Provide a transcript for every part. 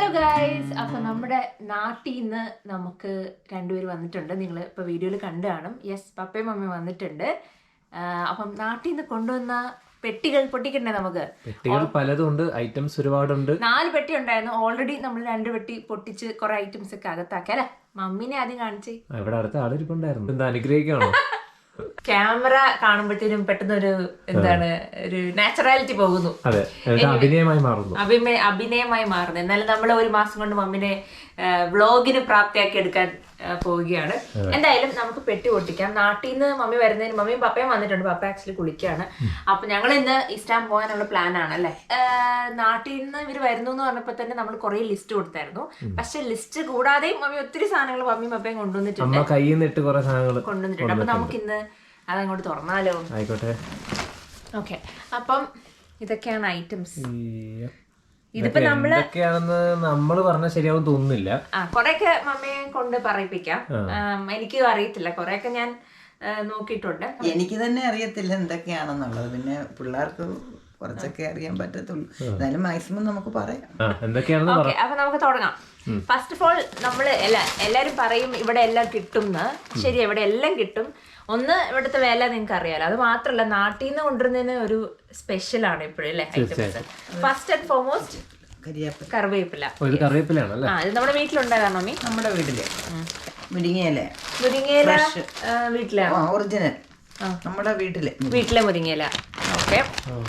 Guys, അപ്പൊ നമ്മുടെ നാട്ടിൽ നിന്ന് നമുക്ക് രണ്ടുപേര് വന്നിട്ടുണ്ട്. നിങ്ങൾ ഇപ്പൊ വീഡിയോയിൽ കണ്ടു കാണും. യെസ്, പപ്പയും മമ്മിയും വന്നിട്ടുണ്ട്. അപ്പം നാട്ടിൽ നിന്ന് കൊണ്ടുവന്ന പെട്ടികൾ പൊട്ടിക്കണ്ടേ? നമുക്ക് പെട്ടികൾ പലതും ഉണ്ട്, ഐറ്റംസ് ഒരുപാടുണ്ട്. 4 പെട്ടി ഉണ്ടായിരുന്നു. ഓൾറെഡി നമ്മൾ 2 പെട്ടി പൊട്ടിച്ച് കുറെ ഐറ്റംസ് ഒക്കെ അകത്താക്കി. അല്ലെ, മമ്മീനെ ആദ്യം കാണിച്ചേ. ഇവിടെ അടുത്ത ആളിരിപ്പുണ്ടായിരുന്നു. എന്താ അനുഗ്രഹിക്കാണോ? ക്യാമറ കാണുമ്പോഴത്തേനും പെട്ടെന്ന് ഒരു ഒരു നാച്ചുറാലിറ്റി പോകുന്നു. അതെ, അഭിനയമായി മാറുന്നു. അഭിനയമായി മാറുന്നു. എന്നാലും നമ്മൾ ഒരു മാസം കൊണ്ട് മമ്മിനെ വ്ളോഗിന് പ്രാപ്തിയാക്കി എടുക്കാൻ പോവുകയാണ്. എന്തായാലും നമുക്ക് പെട്ടി പൊട്ടിക്കാം. നാട്ടിൽ നിന്ന് മമ്മി വരുന്നതിന് മമ്മിയും പപ്പയും വന്നിട്ടുണ്ട്. പപ്പ ആക്ച്വലി കുളിക്കുകയാണ്. അപ്പൊ ഞങ്ങൾ ഇന്ന് ഇസ്റ്റാൻ പോകാനുള്ള പ്ലാൻ ആണ്. അല്ലെ, നാട്ടിൽ നിന്ന് ഇവർ വരുന്നു എന്ന് പറഞ്ഞപ്പോ തന്നെ നമ്മൾ കുറെ ലിസ്റ്റ് കൊടുത്തായിരുന്നു. പക്ഷെ ലിസ്റ്റ് കൂടാതെയും മമ്മി ഒത്തിരി സാധനങ്ങൾ മമ്മിയും പപ്പയും കൊണ്ടുവന്നിട്ടുണ്ട്. കൊണ്ടുവന്നിട്ടുണ്ട്. അപ്പൊ നമുക്ക് ഇന്ന് അതങ്ങോട്ട് തുറന്നാലോ? ആയിക്കോട്ടെ. ഓക്കെ, അപ്പം ഇതൊക്കെയാണ് ഐറ്റംസ്. ഇതിപ്പോ നമ്മള് പറഞ്ഞ ശരിയാവും തോന്നുന്നില്ല. കൊറേയൊക്കെ മമ്മിയെ കൊണ്ട് പറയിപ്പിക്കാം. എനിക്ക് അറിയത്തില്ല, കൊറേയൊക്കെ ഞാൻ നോക്കിയിട്ടുണ്ട്. എനിക്ക് തന്നെ അറിയത്തില്ല എന്തൊക്കെയാണെന്നുള്ളത്. പിന്നെ പിള്ളേർക്ക് കുറച്ചൊക്കെ അറിയാൻ പറ്റത്തുള്ളൂ. എന്നാലും മാക്സിമം നമുക്ക് പറയാം. ഓക്കെ, അപ്പൊ നമുക്ക് തുടങ്ങാം. ഫസ്റ്റ് ഓഫ് ഓൾ നമ്മള് എല്ലാരും പറയും ഇവിടെ എല്ലാം കിട്ടും. ശരി, ഇവിടെ എല്ലാം കിട്ടും. ഒന്ന്, ഇവിടുത്തെ വില നിങ്ങൾക്ക് അറിയാലോ. അത് മാത്രല്ല, നാട്ടിൽ നിന്ന് കൊണ്ടുവരുന്നതിന് ഒരു സ്പെഷ്യൽ ആണ് ഇപ്പോഴും അല്ലേ ഐറ്റംസ്. ഫസ്റ്റ് ആൻഡ് ഫോർമോസ്റ്റ് കറിവേപ്പില. ഇത് നമ്മുടെ വീട്ടിലുണ്ടായതാണ് മമ്മി. നമ്മുടെ വീട്ടില് മുരിങ്ങയില വീട്ടിലാണ് ഒറിജിനൽ. നമ്മുടെ വീട്ടിലെ മുരിങ്ങയില. ഓക്കെ,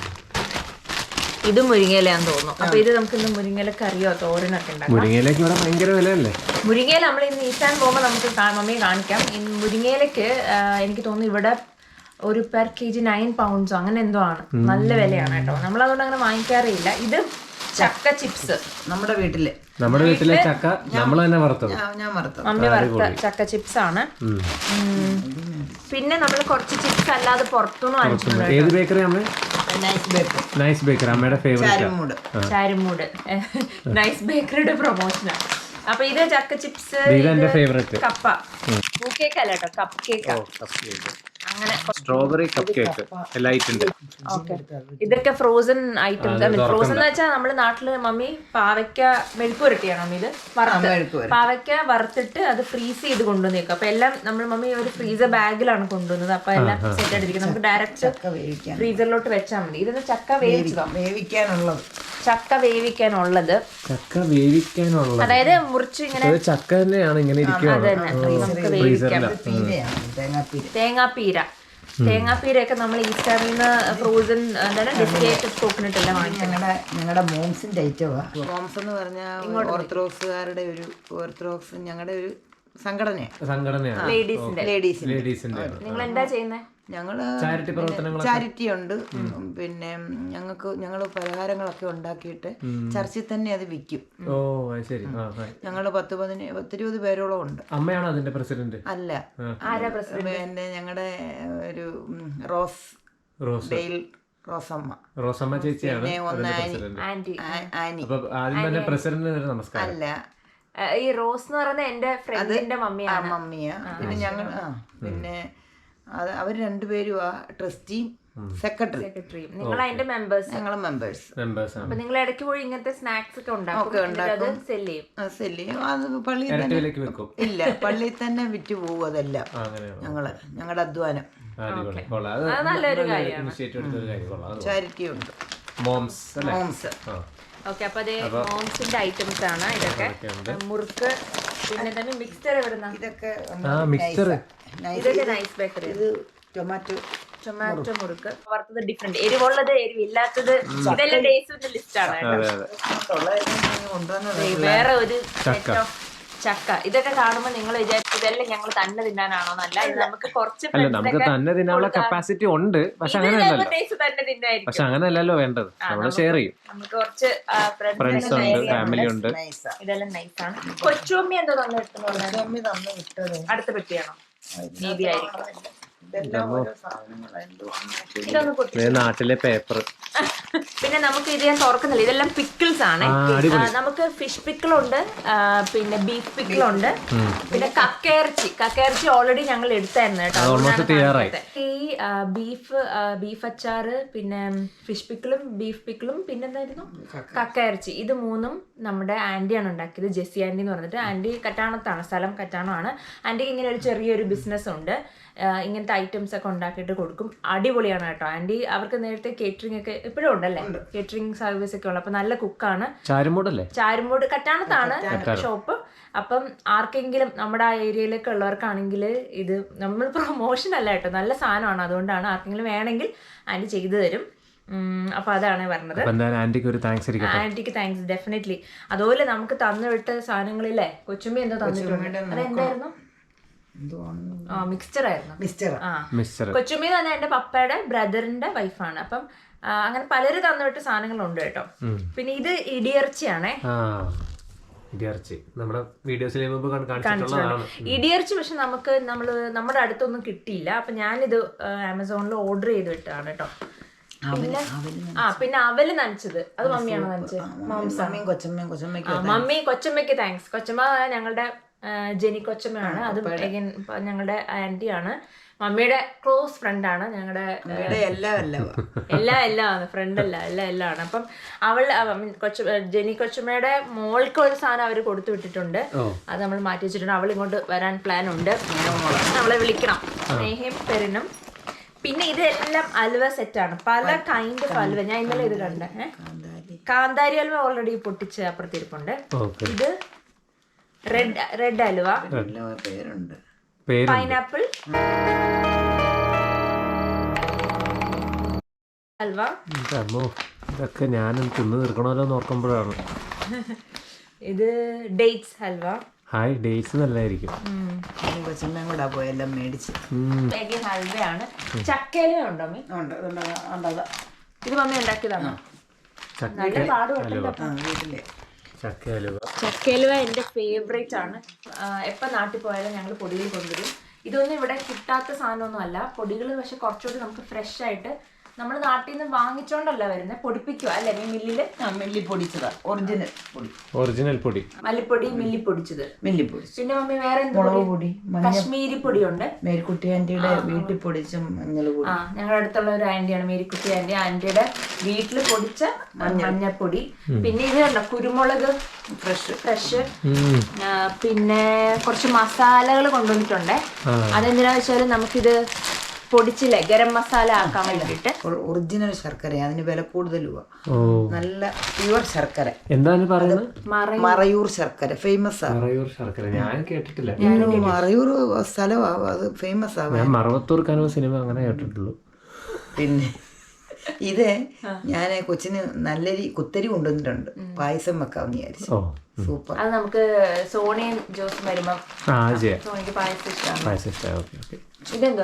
ഇത് മുരിങ്ങയിലാന്ന് തോന്നുന്നു. അപ്പൊ ഇത് നമുക്ക് ഇന്ന് മുരിങ്ങയില കറിയോ തോരനൊക്കെ ഉണ്ടാക്കാം. മുരിങ്ങയില നമ്മൾ ഇന്ന് ഈസ്റ്റാൻ പോകുമ്പോൾ നമുക്ക് മമ്മിയെ കാണിക്കാം. മുരിങ്ങയിലക്ക് എനിക്ക് തോന്നുന്നു ഇവിടെ ഒരു പെർ kg 9 pounds അങ്ങനെ എന്തോ ആണ്. നല്ല വിലയാണ് കേട്ടോ. നമ്മൾ അതുകൊണ്ട് അങ്ങനെ വാങ്ങിക്കാറേ ഇല്ല. ഇത് ചക്ക ചിപ്സ്. നമ്മുടെ വീട്ടിലെ ചക്ക നമ്മൾ തന്നെ വറുത്തത്. മമ്മി വറുത്ത ചക്ക ചിപ്സ് ആണ്. പിന്നെ നമ്മൾ കുറച്ച് ചിപ്സ് അല്ലാതെ പുറത്തുനിന്ന് വാങ്ങിച്ചിട്ടുണ്ട്. ഏത് ബേക്കറി? നൈസ് ബേക്കറി, അമ്മയുടെ ഫേവറേറ്റ്. ചാരുമൂട് നൈസ് ബേക്കറിയുടെ പ്രൊമോഷനാണ്. അപ്പൊ ഇത് ചക്ക ചിപ്സ്, കപ്പ കേക്ക് അല്ല കേട്ടോ, കപ്പ് കേക്ക്. അങ്ങനെ സ്ട്രോബെറി കപ്പ് കേക്ക് ലൈറ്റ് ഉണ്ട്. ഇതൊക്കെ ഫ്രോസൺ ഐറ്റംസ്. ഫ്രോസൺ എന്ന് വെച്ചാൽ നമ്മുടെ നാട്ടില് മമ്മി പാവയ്ക്ക മെഴുക്ക് പുരട്ടിയാണ് മമ്മി. ഇത് പാവയ്ക്ക വറുത്തിട്ട് അത് ഫ്രീസ് ചെയ്ത് കൊണ്ടുവന്നേക്കും. അപ്പൊ എല്ലാം നമ്മൾ മമ്മി ഒരു ഫ്രീസർ ബാഗിലാണ് കൊണ്ടുവന്നത്. അപ്പൊ എല്ലാം സെറ്റ് ആയിട്ടിരിക്കും. നമുക്ക് ഡയറക്റ്റ് ഫ്രീസറിലോട്ട് വെച്ചാൽ മതി. ഇതൊന്ന് ചക്ക വേവിക്കാനുള്ളത്. അതായത് മുറിച്ച് ഇങ്ങനെ ചക്ക തന്നെയാണ് ഇങ്ങനെ നമുക്ക് വേവിക്കാം. തേങ്ങാപ്പീരയൊക്കെ നമ്മൾ ഈസ്റ്റാറിൽ നിന്ന് ഫ്രോസൺ ഡെസ്റ്റിലേറ്റഡ് കോക്കനട്ട് എല്ലാം വാങ്ങിക്കും. ഞങ്ങളുടെ മോംസിന്റെ ഐറ്റമാ. മോംസ് എന്ന് പറഞ്ഞാൽ ഓർത്തഡോക്സുകാരുടെ ഞങ്ങളുടെ ഒരു സംഘടനയാണ്. ലേഡീസിന്റെ. നിങ്ങൾ എന്താ ചെയ്യുന്നത്? ഞങ്ങള് ചാരിറ്റി ഉണ്ട്. പിന്നെ ഞങ്ങള് പലഹാരങ്ങളൊക്കെ ഉണ്ടാക്കിയിട്ട് ചർച്ചിൽ തന്നെ അത് വിൽക്കും. ഞങ്ങള് 10-20 പേരോളം ഉണ്ട്. അമ്മയാണോ അതിന്റെ പ്രസിഡന്റ്? അല്ല, പിന്നെ ഞങ്ങളുടെ ഒരു റോസമ്മ ചേച്ചിയാണ്. അല്ല, ഈ റോസ് എന്ന് പറയുന്നത് എന്റെ ഫ്രണ്ടിന്റെ മമ്മിയാ. പിന്നെ ഞങ്ങൾ പിന്നെ അവർ രണ്ടുപേരും ട്രസ്റ്റിയും സെക്രട്ടറിയും. നിങ്ങൾ അതിന്റെ മെമ്പേഴ്സ്. ഞങ്ങള് മെമ്പേഴ്സ്. അപ്പൊ നിങ്ങൾ ഇടയ്ക്ക് പോയി ഇങ്ങനത്തെ സ്നാക്സ് ഒക്കെ ഉണ്ടാക്കും. സെല് ചെയ്യും. അത് പള്ളിയിൽ ഇല്ല, പള്ളിയിൽ തന്നെ വിറ്റ് പോകും. അതെല്ലാം ഞങ്ങളുടെ അധ്വാനം. നല്ലൊരു കാര്യമാണ്. ചാരിറ്റി ഉണ്ട്. മോംസ്. ഓക്കെ, അപ്പൊ അതേ മോംസിന്റെ ഐറ്റംസ് ആണ് ഇതൊക്കെ. മുറുക്ക്, പിന്നെ തന്നെ മിക്സ്ചർ എവിടുന്ന? ഇതൊക്കെ നൈസ് ബേക്കറി. ഇത് ടൊമാറ്റോ മുറുക്ക് വറുത്തത്, ഡിഫറെന്റ് എരിവുള്ളത്, എരിവില്ലാത്തത്, ഇതെല്ലാം ടേസ്റ്റിന്റെ ലിസ്റ്റ് ആണ്. വേറെ ഒരു സെറ്റ് ഓഫ് ചക്ക. ഇതൊക്കെ കാണുമ്പോൾ നിങ്ങൾ വിചാരിച്ചു ഇതെല്ലാം ഞങ്ങൾ തന്നെ തിന്നാനാണോ? എന്നല്ല, ഇത് നമുക്ക് കുറച്ച് നമുക്ക് തന്നെ തിന്നാനുള്ള കപ്പാസിറ്റി ഉണ്ട്. പക്ഷെ അങ്ങനെയല്ലോ വേണ്ടത്. നമ്മൾ ഷെയർ ചെയ്യും. നമുക്ക് കുറച്ച് ഫ്രണ്ട്സ് ഉണ്ട്, ഫാമിലി ഉണ്ട്. ഇതെല്ലാം നൈസാണ്. കൊച്ചുമ്മി എന്തോ തന്നിട്ട് അടുത്ത പെട്ടിയാണോ? നീതിയായിരിക്കും. ഇതെല്ലാം ഓരോ സാധനങ്ങളാണ്. ഇതൊന്ന് പൊട്ടി. നാട്ടിലെ പേപ്പർ. പിന്നെ നമുക്ക് ഇത് ഞാൻ തുറക്കുന്നില്ല, ഇതെല്ലാം പിക്കിൾസ് ആണ്. നമുക്ക് ഫിഷ് പിക്കിളുണ്ട്, പിന്നെ ബീഫ് പിക്കിളുണ്ട്, പിന്നെ കക്കയിറച്ചി ഓൾറെഡി ഞങ്ങൾ എടുത്തായിരുന്നു കേട്ടോ. ഈ ബീഫ് അച്ചാറ്, പിന്നെ ഫിഷ് പിക്കിളും ബീഫ് പിക്കിളും, പിന്നെന്തായിരുന്നു കക്കയിറച്ചി, ഇത് മൂന്നും നമ്മുടെ ആന്റിയാണ് ഉണ്ടാക്കിയത്. ജെസ്സി ആന്റി എന്ന് പറഞ്ഞിട്ട്. ആന്റി കറ്റാണത്താണ്, സ്ഥലം കറ്റാണമാണ്. ആന്റിക്ക് ഇങ്ങനെ ഒരു ചെറിയൊരു ബിസിനസ് ഉണ്ട്, ഇങ്ങനത്തെ ഐറ്റംസ് ഒക്കെ ഉണ്ടാക്കിയിട്ട് കൊടുക്കും. അടിപൊളിയാണ് കേട്ടോ ആന്റി. അവർക്ക് നേരത്തെ കേറ്ററിംഗ് ഒക്കെ ഇപ്പോഴും ഉണ്ടല്ലേ, കേറ്ററിംഗ് സർവീസ് ഒക്കെ ഉള്ളത്. അപ്പൊ നല്ല കുക്കാണ്. ചാരുമൂട് കറ്റാണത്താണ് ഷോപ്പ്. അപ്പം ആർക്കെങ്കിലും നമ്മുടെ ആ ഏരിയയിലൊക്കെ ഉള്ളവർക്കാണെങ്കിൽ ഇത് നമ്മൾ പ്രൊമോഷൻ അല്ല കേട്ടോ, നല്ല സാധനമാണ്. അതുകൊണ്ടാണ് ആർക്കെങ്കിലും വേണമെങ്കിൽ ആന്റി ചെയ്തു തരും. അപ്പൊ അതാണ് പറഞ്ഞത്. ആന്റിക്ക് താങ്ക്സ് ഡെഫിനറ്റ്ലി. അതുപോലെ നമുക്ക് തന്നുവിട്ട സാധനങ്ങളില്ലേ, കൊച്ചുമ്മി എന്തോ തന്നിട്ടുണ്ട്. അതെന്തായിരുന്നു? മിക്സ്ചർ ആയിരുന്നു. കൊച്ചുമ്മി തന്നെ എന്റെ പപ്പയുടെ ബ്രദറിന്റെ വൈഫാണ്. അപ്പം അങ്ങനെ പലരും തന്നുവിട്ട് സാധനങ്ങളുണ്ട് കേട്ടോ. പിന്നെ ഇത് ഇടിയിറച്ചിയാണേ. ഇടിയിറച്ചി പക്ഷെ നമ്മുടെ അടുത്തൊന്നും കിട്ടിയില്ല. അപ്പൊ ഞാനിത് ആമസോണിൽ ഓർഡർ ചെയ്ത് വിട്ടതാണ് കേട്ടോ. പിന്നെ അവല് നനച്ചത് അത് മമ്മിയാണ് നനച്ചത്. Mummy കൊച്ചമ്മയ്ക്ക് thanks. കൊച്ചമ്മ ഞങ്ങളുടെ ജെനി കൊച്ചമ്മയാണ്. അത് ഞങ്ങളുടെ ആന്റിയാണ്, മമ്മിയുടെ ക്ലോസ് ഫ്രണ്ടാണ്. ഞങ്ങളുടെ എല്ലാം ഫ്രണ്ട് എല്ലാം ആണ്. അപ്പം ജെനി കൊച്ചമ്മയുടെ മോൾക്ക് ഒരു സാധനം അവർ കൊടുത്തു വിട്ടിട്ടുണ്ട്, അത് നമ്മൾ മാറ്റി വെച്ചിട്ടുണ്ട്. അവൾ ഇങ്ങോട്ട് വരാൻ പ്ലാൻ ഉണ്ട്, നമ്മളെ വിളിക്കണം. സ്നേഹയും പെരിനും. പിന്നെ ഇതെല്ലാം അലുവ സെറ്റാണ്, പല കൈൻഡ് ഓഫ് അലുവ. ഞാൻ ഇന്നലെ ഇത് കണ്ടേ, കാന്താരി അലുവ ഓൾറെഡി പൊട്ടിച്ച് അപ്പുറത്തിരിപ്പുണ്ട്. ഇത് റെഡ് അലുവ, പൈനാപ്പിൾ ഹൽവ. ഇതൊക്കെ ഞാനും തിന്ന് തീർക്കണമല്ലോ നോക്കുമ്പോഴാണ്. ഇത് ഡേറ്റ്സ് ഹൽവ. ഹായ്, ഡേറ്റ്സ് നല്ലതായിരിക്കും. പോയെല്ലാം മേടിച്ച് ഹൽവയാണ്. ചക്കയിലും ഉണ്ടോ മീ? ഇത് മമ്മി ഉണ്ടാക്കിയതാണോ? നല്ല പാടുപെട്ടില്ല. ചക്കലുവ എൻ്റെ ഫേവറേറ്റ് ആണ്. എപ്പോൾ നാട്ടിൽ പോയാലും ഞങ്ങൾ പൊടികൾ കൊണ്ടുവരും. ഇതൊന്നും ഇവിടെ കിട്ടാത്ത സാധനമൊന്നും അല്ല. പൊടികൾ പക്ഷെ കുറച്ചുകൂടി നമുക്ക് ഫ്രഷ് ആയിട്ട് നമ്മൾ നാട്ടിൽ നിന്ന് വാങ്ങിച്ചോണ്ടല്ല വരുന്നത്, പൊടിപ്പിക്കുക അല്ലേ മില്ലില്. മില്ലി പൊടിച്ചതാ, ഒറിജിനൽ പൊടി, മല്ലിപ്പൊടി മില്ലി പൊടിച്ചത്. പിന്നെ മമ്മി വേറെ മുളക് പൊടി, കശ്മീരി പൊടിയുണ്ട്. മേരിക്കുട്ടി ആന്റിയുടെ വീട്ടിൽ പൊടിച്ച മഞ്ഞൾപ്പൊടി. ഞങ്ങളുടെ അടുത്തുള്ള ഒരു ആന്റിയാണ് മേരിക്കുട്ടി ആന്റി. ആന്റിയുടെ വീട്ടിൽ പൊടിച്ച മഞ്ഞൾപ്പൊടി. പിന്നെ ഇത് കണ്ടോ കുരുമുളക് ഫ്രഷ്. പിന്നെ കുറച്ച് മസാലകൾ കൊണ്ടുവന്നിട്ടുണ്ട്. അതെന്തിനാ വെച്ചാൽ നമുക്കിത് പൊടിച്ചില്ലേ ഗരം മസാല ആക്കാൻ വേണ്ടിട്ട്. ഒറിജിനൽ ശർക്കര, അതിന് വില കൂടുതലുവാ. നല്ല പ്യുവർ ശർക്കര. എന്താണ് പറയുന്നത്? മറയൂർ ശർക്കര ഫേമസ് ആണ്. ഞാൻ കേട്ടിട്ടില്ല. മറയൂർ സ്ഥലമാ, അത് ഫേമസ് ആണ്. മറവത്തൂർ കനവ് സിനിമ അങ്ങനെ കേട്ടിട്ടുള്ളൂ. പിന്നെ ഇത് ഞാൻ കൊച്ചിന് നല്ലൊരു കുത്തരി കൊണ്ടുവന്നിട്ടുണ്ട്, പായസം വെക്കാമെന്ന് വിചാരിച്ചു. സൂപ്പർ. അത് നമുക്ക് സോണിയും ജോസും വരുമ്പോ സോണിക്ക് പായസം ഇഷ്ടമാണ്. ഇതെന്തോ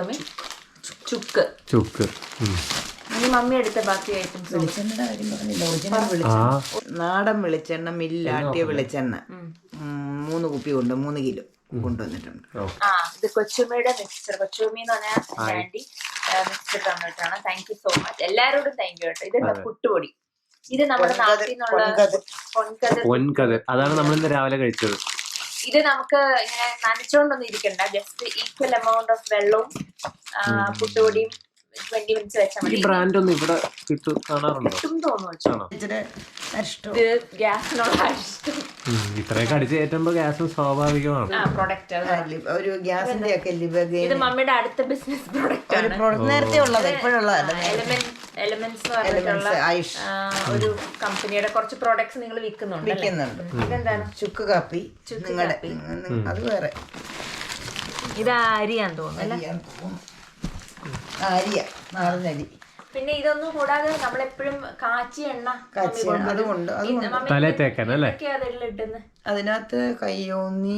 ചുക്ക്. മമ്മി എടുത്ത ബാക്കി ഐറ്റംസ്. വെളിച്ചെണ്ണയുടെ കാര്യം പറഞ്ഞില്ല, ഒറിജിനൽ നാടൻ വെളിച്ചെണ്ണ, മില്ലാട്ടിയ വെളിച്ചെണ്ണ 3 കുപ്പി കൊണ്ട് 3 കിലോ കൊണ്ടുവന്നിട്ടുണ്ട്. ഇത് കൊച്ചുമ്മയുടെ മിക്സ്ചർ. കൊച്ചുമ്മി എന്ന് പറഞ്ഞാൽ ആന്റി മിക്സ്ചർ തന്നിട്ടാണ്. Thank you so much. എല്ലാരോടും താങ്ക് യു കേട്ടോ. ഇത് പുട്ടുപൊടി. ഇത് നമ്മുടെ നാട്ടിൽ നിന്നുള്ള പൊൻകതിർ. അതാണ് നമ്മൾ ഇന്ന് രാവിലെ കഴിച്ചത്. ഇത് നമുക്ക് ഇങ്ങനെ നനച്ചോണ്ടൊന്നും ഇരിക്കണ്ട, ജസ്റ്റ് ഈക്വൽ എമൗണ്ട് ഓഫ് വെള്ളവും പുട്ടുപൊടിയും 20 മിനിറ്റ്സ് വെച്ചാൽ മതി. ബ്രാൻഡ് ഒന്നും ഇവിടെ കിട്ടും തോന്നുന്നു. ഇത് ഗ്യാസിനുള്ള ഇഷ്ടം. ഇത്രയൊക്കെ അടിച്ച് കയറ്റുമ്പോ ഗ്യാസ് സ്വാഭാവികമാണ്. ഒരു ഗ്യാസിന്റെ ഒക്കെ ഇത് മമ്മിയുടെ അടുത്ത ബിസിനസ് പ്രോഡക്റ്റ് ആണ്. നേരത്തെ ഉള്ളത് ഇപ്പോഴുള്ളത് എലമെന്റ്സ് ഒരു കമ്പനിയുടെ കുറച്ച് പ്രോഡക്ട്സ് നിങ്ങൾ വിൽക്കുന്നുണ്ട്. ഇതെന്താണ്? ചുക്ക് കാപ്പി. നിങ്ങളുടെ അത് വേറെ. ഇത് അരിയാന്ന് തോന്നുന്നു. അരിയ, നാടനരി. പിന്നെ ഇതൊന്നും കൂടാതെ നമ്മളെപ്പോഴും കാച്ചിയ എണ്ണ അതുകൊണ്ട് അതിനകത്ത് കയ്യോന്നി,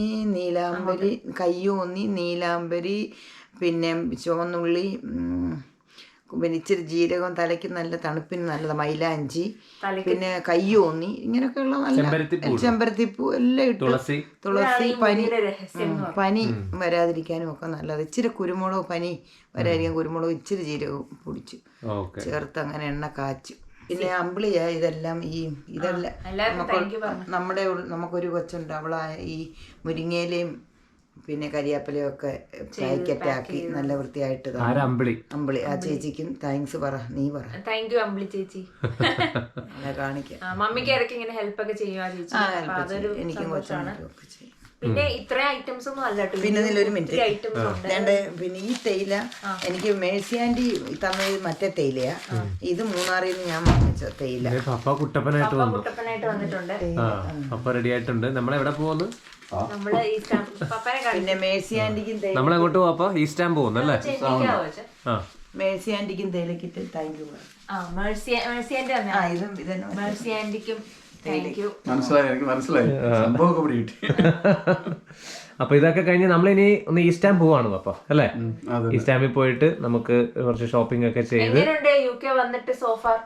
നീലാംബരി, പിന്നെ ചുവന്നുള്ളി, പിന്നെ ഇച്ചിരി ജീരകം തലയ്ക്ക് നല്ല തണുപ്പിന് നല്ലത്, മൈലാഞ്ചി, പിന്നെ കയ്യോന്നി, ഇങ്ങനെയൊക്കെയുള്ള നല്ല ചെമ്പരത്തിപ്പൂ എല്ലാം ഇട്ട് തുളസി പനി വരാതിരിക്കാനും ഒക്കെ നല്ലത്. ഇച്ചിരി കുരുമുളക് പനി വരാതിരിക്കാൻ കുരുമുളക് ഇച്ചിരി ജീരകവും പൊടിച്ചു ചേർത്ത് അങ്ങനെ എണ്ണ കാച്ചും. പിന്നെ അമ്പിളിയാ ഇതെല്ലാം ഇതെല്ലാം നമ്മുടെ നമുക്കൊരു കൊച്ചുണ്ട്, അവളാ ഈ മുരിങ്ങയിലയും പിന്നെ കരിയാപ്പിലയും ഒക്കെ പാക്കറ്റാക്കി നല്ല വൃത്തിയായിട്ട് അമ്പിളി. ആ ചേച്ചിക്കും താങ്ക്സ് പറ, നീ പറ. താങ്ക് യു അമ്പിളി ചേച്ചി. കാണിക്കാം. മമ്മിക്ക് ഇടയ്ക്ക് ഇങ്ങനെ ഹെൽപ്പ് ഒക്കെ ചെയ്യുക ചേച്ചി, എനിക്കും കൊച്ചാണ്. പിന്നെ ഇത്രയും ഐറ്റംസ് ഒന്നും അല്ല. പിന്നെ ഇതിലൊരു മിനിറ്റ് പിന്നെ ഈ തേയില എനിക്ക് മേഴ്സി ആന്റി തന്നത് മറ്റേ തേയിലയാ. ഇത് മൂന്നാറിൽ നിന്ന് ഞാൻ വാങ്ങിച്ച തേയില. കുട്ടപ്പനായിട്ട് വന്നിട്ടുണ്ട്. റെഡി ആയിട്ടുണ്ട്. നമ്മളെവിടെ പോകുന്നു? പിന്നെ മേഴ്സി ആന്റിക്കും നമ്മളെങ്ങോട്ട് പോവാ? ഈസ്റ്റാൻ പോകുന്നല്ലേ? മേഴ്സി ആന്റിക്കും തേയിലക്കിട്ട് താങ്ക് യു. മേഴ്സി ആന്റിക്കും അപ്പൊ ഇതൊക്കെ കഴിഞ്ഞ് നമ്മളിനി ഒന്ന് ഈസ്റ്റാൻ പോവാണ് അപ്പൊ അല്ലേ? ഈസ്റ്റാമിൽ പോയിട്ട് നമുക്ക് കുറച്ച് ഷോപ്പിംഗ് ഒക്കെ ചെയ്ത് UK വന്നിട്ട് so far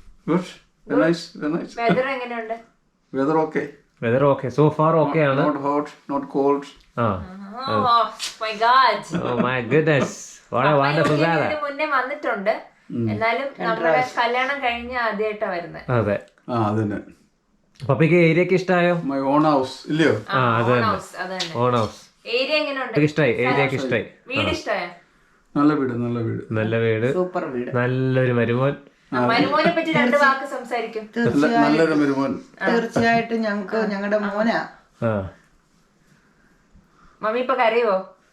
weather okay, so far okay ആണ്. മുന്നേ വന്നിട്ടുണ്ട്, എന്നാലും നമ്മുടെ കല്യാണം കഴിഞ്ഞ ആദ്യമായിട്ടാ വരുന്നത്. അതെ. പപ്പയ്ക്ക് ഏരിയ ഒക്കെ ഇഷ്ടമായോ? ഓൺ ഹൗസ് ഇല്ലയോ? ഓൺ ഹൗസ് ഏരിയ എങ്ങനെയുണ്ട്? ഇഷ്ടമായി, ഏരിയ ഇഷ്ടമായി. വീട് ഇഷ്ടമായോ? നല്ല വീട്, സൂപ്പർ വീട്, നല്ലൊരു മരുമോൻ. മരുമോനെ പറ്റി 2 വാക്ക് സംസാരിക്കും. നല്ലൊരു മരുമോൻ. തീർച്ചയായിട്ടും ഞങ്ങളുടെ മോനാ. മമ്മി ഇപ്പൊ കരയോ?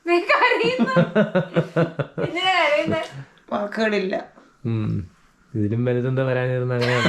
വാക്കുകളില്ല. ഇതിലും വലുതെന്താ വരാനിരുന്ന അങ്ങനെയാണ്.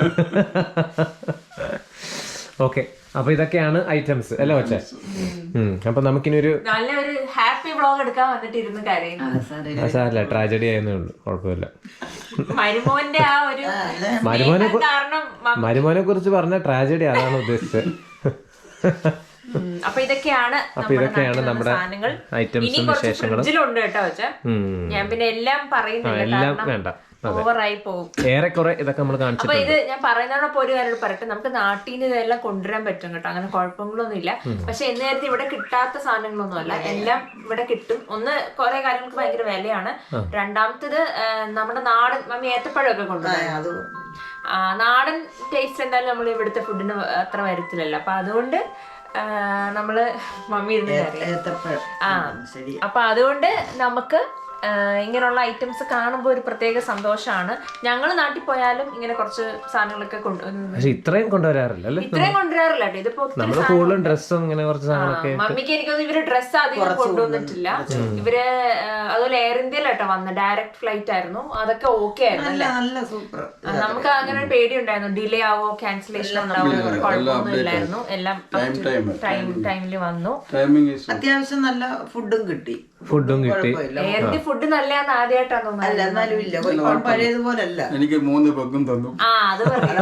ഓക്കെ, അപ്പൊ ഇതൊക്കെയാണ് ഐറ്റംസ് അല്ലേ വച്ചേ? അപ്പൊ നമുക്കിനി ഒരു നല്ലൊരു ഹാപ്പി വ്ളോഗ് എടുക്കാൻ വന്നിട്ടിരുന്നു കരയുന്നു. സാരല്ല, ട്രാജഡി ആയെന്നേ ഉള്ളൂ, കുഴപ്പമില്ല. മരുമോന്റെ ആ ഒരു മരുമോനെ കുറിച്ച് പറഞ്ഞ ട്രാജഡി, അതാണ് ഉദ്ദേശിച്ചത്. അപ്പൊ ഇതൊക്കെയാണ് നമ്മുടെ ഐറ്റംസും വിശേഷങ്ങളും. ഞാൻ പിന്നെ എല്ലാം പറയുന്നില്ല, എല്ലാം വേണ്ട, ഓവറായി പോകും. ഏറെക്കുറെ ഇതൊക്കെ നമ്മൾ കാണിച്ചു. അപ്പൊ ഇത് ഞാൻ പറയുന്നതോടൊപ്പം ഒരു കാര്യം പറയട്ടെ, നമുക്ക് നാട്ടിൽ നിന്ന് ഇതെല്ലാം കൊണ്ടുവരാൻ പറ്റും കേട്ടോ, അങ്ങനെ കുഴപ്പങ്ങളൊന്നും ഇല്ല. പക്ഷെ എന്ന് നേരത്തെ ഇവിടെ കിട്ടാത്ത സാധനങ്ങളൊന്നും അല്ല, എല്ലാം ഇവിടെ കിട്ടും. ഒന്ന് കുറെ കാര്യങ്ങൾക്ക് ഭയങ്കര വിലയാണ്. രണ്ടാമത്തത് നമ്മുടെ നാടൻ മമ്മി ഏത്തപ്പഴമൊക്കെ കൊണ്ടുവരാം. നാടൻ ടേസ്റ്റ് എന്തായാലും നമ്മൾ ഇവിടുത്തെ ഫുഡിന് അത്ര വരത്തില്ലല്ലോ. അപ്പൊ അതുകൊണ്ട് നമ്മള് മമ്മി ഇരുന്ന് അപ്പൊ അതുകൊണ്ട് നമുക്ക് ഇങ്ങനെയുള്ള ഐറ്റംസ് കാണുമ്പോൾ ഒരു പ്രത്യേക സന്തോഷമാണ്. ഞങ്ങൾ നാട്ടിൽ പോയാലും ഇങ്ങനെ കുറച്ച് സാധനങ്ങളൊക്കെ ഇത്രയും കൊണ്ടുവരാറില്ല. ഇതിപ്പോ ഡ്രസ്സും ഇങ്ങനെ കുറച്ച് സാധനങ്ങളൊക്കെ മമ്മിക്ക് എനിക്കൊന്നും ഇവര് ഡ്രസ്സ് അധികം കൊണ്ടുവന്നിട്ടില്ല. ഇവര് അതുപോലെ എയർ ഇന്ത്യയിലാട്ടോ വന്ന്, ഡയറക്റ്റ് ഫ്ലൈറ്റ് ആയിരുന്നു. അതൊക്കെ ഓക്കെ ആയിരുന്നു. നമുക്ക് അങ്ങനെ ഒരു പേടി ഉണ്ടായിരുന്നു, ഡിലേ ആവോ ക്യാൻസലേഷൻ ഉണ്ടാവോ, കുഴപ്പമൊന്നും ഇല്ലായിരുന്നു. എല്ലാം ടൈമില് വന്നു. അത്യാവശ്യം നല്ല ഫുഡും കിട്ടി. എയറിന്റെ ഫുഡ് നല്ലതാന്ന് ആദ്യമായിട്ടാണ് തോന്നുന്നത്. പഴയതുപോലല്ല. എനിക്ക് 3 പെഗും തന്നു. അത്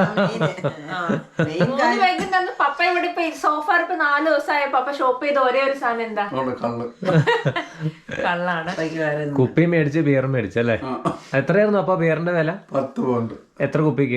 3 പെഗും തന്നു. പപ്പ ഇവിടെ ഇപ്പൊ സോഫാർ ഇപ്പൊ 4 ദിവസമായ പപ്പ ഷോപ്പ് ചെയ്ത ഒരേ ഒരു സാധനം എന്താ? കള്ളാണ്. കുപ്പി മേടിച്ച് ബിയറും മേടിച്ചല്ലേ? എത്രയായിരുന്നു അപ്പൊ ബിയറിന്റെ വില? 10 പൗണ്ട്. എത്ര കുപ്പിക്ക്?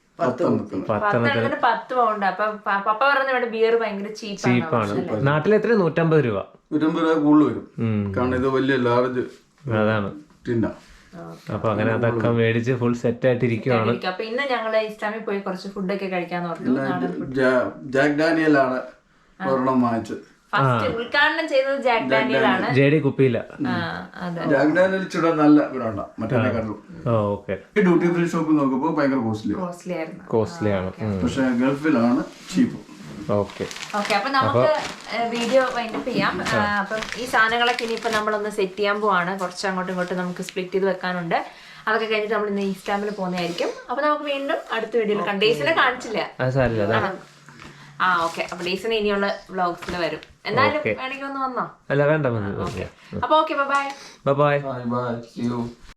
10 പൗണ്ട്. അപ്പൊ പപ്പ പറഞ്ഞ ഇവിടെ ബിയർ ഭയങ്കര ചീപ്പാണ്. നാട്ടിൽ എത്ര? 150 രൂപ. 150 രൂപ കൂടുതൽ വരും, കാരണം ഇത് വലിയ ലാർജ് അതാണ്. അപ്പൊ അങ്ങനെ അതൊക്കെ മേടിച്ച് ഫുൾ സെറ്റ് ആയിട്ടിരിക്കുവാണ്. അപ്പൊ ഇന്ന് ഞങ്ങള് ഇസ്ലാമിൽ പോയി കുറച്ച് ഫുഡൊക്കെ കഴിക്കാന്ന് പറഞ്ഞു. ജാക്ക് ഡാനിയൽ ആണ് ഒരെണ്ണം വാങ്ങിച്ചത്. ഫസ്റ്റ് ഉദ്ഘാടനം ചെയ്തത് ജാക്ക് ഡാനിയൽ ആണ്. ജെഡി കുപ്പിയില്ല. ജാക്ക് ഡാനിയൽ ഇച്ചിരി നല്ല ബ്രാൻഡാ, മറ്റേ ഡ്യൂട്ടി ഫ്രീ ഷോപ്പ് നോക്കുമ്പോ ഭയങ്കര കോസ്റ്റ്ലി ആണ്. പക്ഷെ ഗൾഫിലാണ് ചീപ്പ്. ഓക്കെ, അപ്പൊ നമുക്ക് വീഡിയോ വൈൻഡപ്പ് ചെയ്യാം. അപ്പം ഈ സാധനങ്ങളൊക്കെ ഇനിയിപ്പോ നമ്മളൊന്ന് സെറ്റ് ചെയ്യാൻ പോവാണ്. കുറച്ച് അങ്ങോട്ടും ഇങ്ങോട്ടും നമുക്ക് സ്പ്ലിറ്റ് ചെയ്ത് വെക്കാനുണ്ട്. അതൊക്കെ കഴിഞ്ഞിട്ട് നമ്മൾ ഇന്ന് ഈസ്റ്റാമിൽ പോകുന്നതായിരിക്കും. അപ്പൊ നമുക്ക് വീണ്ടും അടുത്ത വീഡിയോയിൽ കാണാം. ഡേയ്സിനെ കാണിച്ചില്ല. ഓക്കെ, അപ്പൊ ഡേയ്സിന് ഇനിയുള്ള വ്ളോഗ്സിൽ വരും. എന്നാലും വേണമെങ്കിൽ ഒന്ന് വന്നോ? അല്ല, വേണ്ട. അപ്പൊ ഓക്കെ, ബൈ.